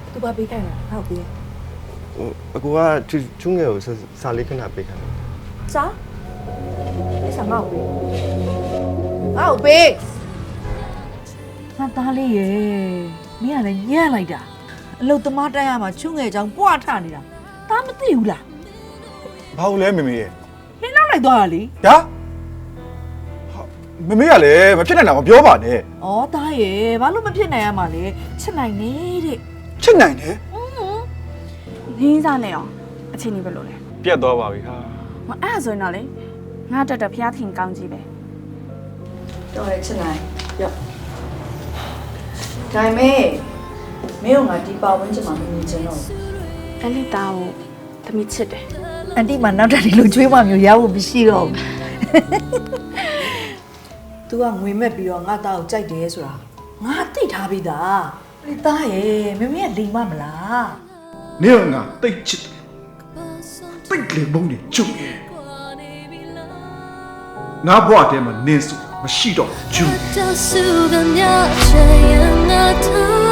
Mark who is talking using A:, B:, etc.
A: သူဘာပေးခိုင်းလဲဟောက်ပေး
B: အကူကချူးငယ်ကိုစာလေးခဏပေးခိုင်းတယ်
A: စားဒီစားငေါ့ပေးငေါ့ပေးငါသားလေးရေမင်းကလည်းညံ့လိုက်တာအလုတ်သမားတိုက်ရမှာချွငယ်ချောင်းပွားထနေတာဒါမသိဘူးလား
C: ဘာလို့လဲမေမေရဲ့
A: နင်းနောက်လိုက်သွားတာလေ
C: ဟာမေမေကလည်းမဖြစ်နိုင်တာမပြောပါနဲ့
A: ဩသားရေဘာလို့မဖြစ်နိုင်ရမှာလဲချစ်နိုင်နေတဲ့
C: ချစ်နိုင်တယ်
D: ငင်းစားနေအောင်အချိန်ကြီးပဲလို့လေ
C: ပြတ်သွားပါပြီဟာ
D: မအဲ့ဒါဆိုရင်တော့လေငါတက်တက်ဖျားထင်ကောင်းကြီးပဲ
A: တော်ရချစ်နိုင်ရော့ဒါပေမဲ့မင်းကငါဒီပါဝင်ချင်မှမနေချင်တော့
D: အဲ့ဒီသားကိုသမီးချစ်တယ်
A: အန်တီမနောက်တက်ဒီလိုကျွေးမမျိုးရဖို့မရှိတော့ဘူး तू ကငွေမဲ့ပြီးတော့ငါသားကိုကြိုက်တယ်ဆိုတာငါသိထားပြီးသားဒီသားရဲ့မမေကလိမ်မမလား
C: နေကငါတိတ်ချစ်တယ်တိတ်လေဘုံနေကျုပ်ရဲ့ငါဘွားတဲမှာနင်းစုမရှိတော့ကျူ
E: 就数个鸟，这样啊，他。